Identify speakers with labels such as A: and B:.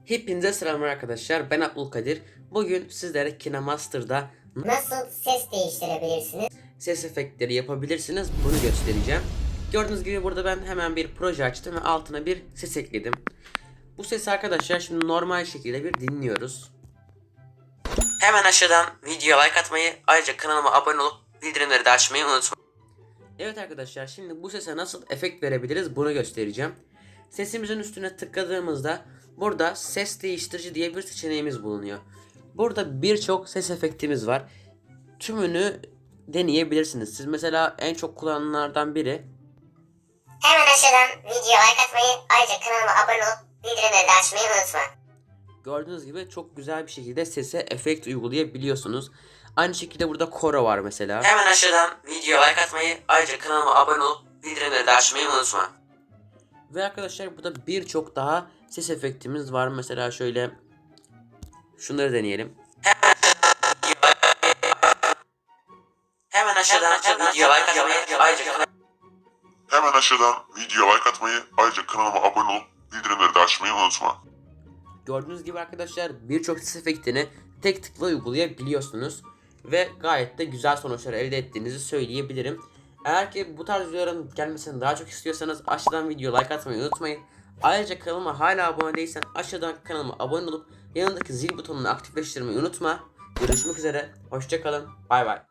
A: Hepinize selamlar arkadaşlar. Ben Abdülkadir. Bugün sizlere KineMaster'da
B: Nasıl ses değiştirebilirsiniz?
A: ses efektleri yapabilirsiniz bunu göstereceğim. Gördüğünüz gibi burada ben hemen bir proje açtım ve altına bir ses ekledim. Bu sesi arkadaşlar şimdi normal şekilde bir dinliyoruz. Hemen aşağıdan videoya like atmayı, ayrıca kanalıma abone olup bildirimleri de açmayı unutmayın. Evet arkadaşlar, şimdi bu sese nasıl efekt verebiliriz bunu göstereceğim. Sesimizin üstüne tıkladığımızda burada ses değiştirici diye bir seçeneğimiz bulunuyor. Burada birçok ses efektimiz var. Tümünü deneyebilirsiniz. Siz mesela en çok kullanılanlardan biri.
B: Hemen aşağıdan videoya like atmayı, ayrıca kanalıma abone olup bildirimleri de açmayı unutma.
A: Gördüğünüz gibi çok güzel bir şekilde sese efekt uygulayabiliyorsunuz. Aynı şekilde burada koro var mesela. Hemen aşağıdan videoya like atmayı, ayrıca kanalıma abone olup bildirimleri de açmayı unutma. Ve arkadaşlar burada birçok daha ses efektimiz var. Mesela şöyle şunları deneyelim. Hemen aşağıdan videoya like atmayı, ayrıca
C: Hemen aşağıdan videoya like atmayı, ayrıca kanalıma abone olup bildirimleri de açmayı unutma.
A: gördüğünüz gibi arkadaşlar birçok ses efektini tek tıkla uygulayabiliyorsunuz. Ve gayet de güzel sonuçlar elde ettiğinizi söyleyebilirim. Eğer ki bu tarz videoların gelmesini daha çok istiyorsanız aşağıdan video like atmayı unutmayın. Ayrıca kanalıma hala abone değilsen aşağıdan kanalıma abone olup yanındaki zil butonunu aktifleştirmeyi unutma. Görüşmek üzere, hoşça kalın, bay bay.